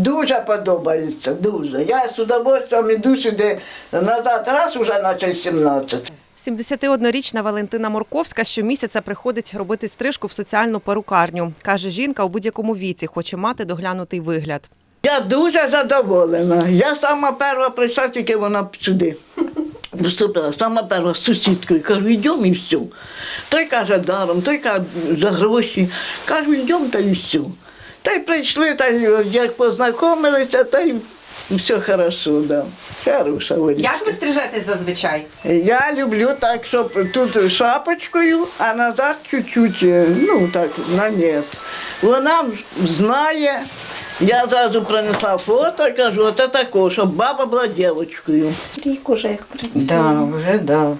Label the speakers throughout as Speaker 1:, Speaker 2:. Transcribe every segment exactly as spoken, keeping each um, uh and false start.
Speaker 1: дуже подобається, дуже. Я з удовольствием іду сюди назад, раз уже наче сімнадцять.
Speaker 2: сімдесятиоднорічна Валентина Морковська щомісяця приходить робити стрижку в соціальну перукарню. Каже, жінка у будь-якому віці хоче мати доглянутий вигляд.
Speaker 1: Я дуже задоволена. Я сама перша прийшла, тільки вона сюди вступила. Сама перша з сусідкою. Кажу, йдемо і все. Той каже, даром, той каже, за гроші. Кажу, йдемо та і все. Та й прийшли, та й як познайомилися, та й все хорошо, да. Хороша Олечка.
Speaker 2: Як ви стрижетесь зазвичай?
Speaker 1: Я люблю так, щоб тут шапочкою, а назад чуть-чуть, ну так, на нет. Вона знає, я зразу принесла фото і кажу, оце тако, щоб баба була дівчинкою.
Speaker 3: Рік уже як працює.
Speaker 4: Да, вже да.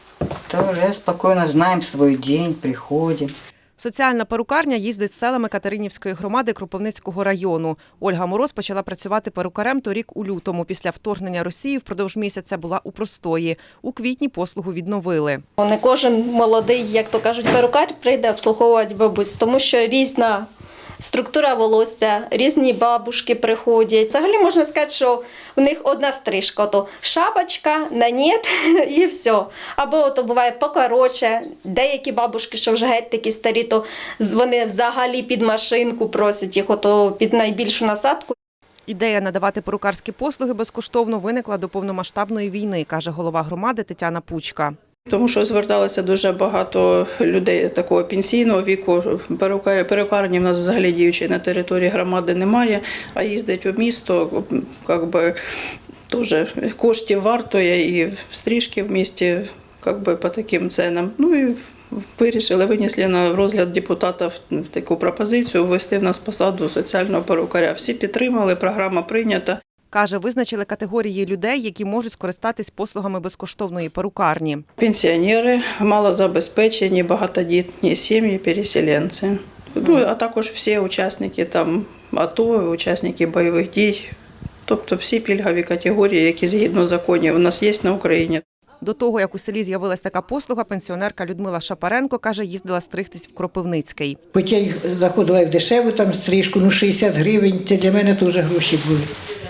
Speaker 4: То вже спокійно знаємо свій день, приходимо.
Speaker 2: Соціальна перукарня їздить селами Катеринівської громади Кропивницького району. Ольга Мороз почала працювати перукарем торік у лютому. Після вторгнення Росії впродовж місяця була у простої. У квітні послугу відновили.
Speaker 3: Не кожен молодий, як то кажуть, перукар прийде обслуговувати бабусь, тому що різна структура волосся, різні бабушки приходять. Взагалі можна сказати, що у них одна стрижка, то шапочка, на нет і все. Або то буває покороче. Деякі бабушки, що вже геть такі старі, то вони взагалі під машинку просять їх, ото під найбільшу насадку.
Speaker 2: Ідея надавати перукарські послуги безкоштовно виникла до повномасштабної війни, каже голова громади Тетяна Пучка.
Speaker 5: Тому що зверталося дуже багато людей такого пенсійного віку. Перукарні в нас взагалі діючої на території громади немає, а їздить у місто, якби, теж коштів вартує і стрижки в місті, якби, по таким ценам. Ну і вирішили, винесли на розгляд депутатів таку пропозицію ввести в нас посаду соціального перукаря. Всі підтримали, програма прийнята.
Speaker 2: Каже, визначили категорії людей, які можуть скористатись послугами безкоштовної перукарні.
Speaker 5: Пенсіонери, малозабезпечені, багатодітні сім'ї, переселенці. Ну, а також всі учасники там АТО, учасники бойових дій. Тобто всі пільгові категорії, які згідно законів у нас є на Україні.
Speaker 2: До того, як у селі з'явилась така послуга, пенсіонерка Людмила Шапаренко, каже, їздила стригтись в Кропивницький.
Speaker 6: Хоч я заходила в дешеву там стрижку, ну шістдесят гривень, це для мене теж гроші були.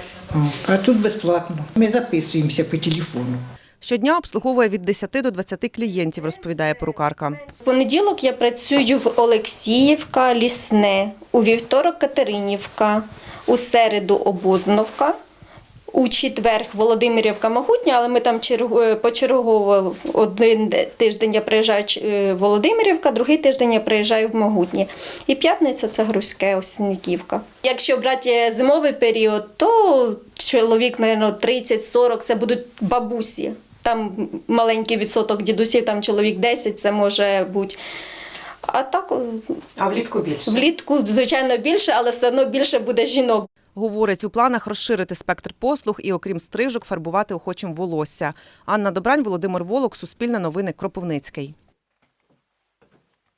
Speaker 6: А тут безплатно. Ми записуємося по телефону.
Speaker 2: Щодня обслуговує від десяти до двадцяти клієнтів, розповідає перукарка.
Speaker 3: В понеділок я працюю в Олексіївка, Лісне, у вівторок Катеринівка, у середу Обозновка, у четвер Володимирівка, Могутня, але ми там почергово один тиждень я приїжджаю в Володимирівка, другий тиждень я приїжджаю в Могутні. І п'ятниця – це Грузьке, Осінниківка. Якщо брати зимовий період, то чоловік, мабуть, тридцять-сорок – це будуть бабусі. Там маленький відсоток дідусів, там чоловік десять – це може бути. А так,
Speaker 2: А влітку більше?
Speaker 3: Влітку, звичайно, більше, але все одно більше буде жінок.
Speaker 2: Говорить, у планах розширити спектр послуг і, окрім стрижок, фарбувати охочим волосся. Анна Добрань, Володимир Волок, Суспільне новини, Кропивницький.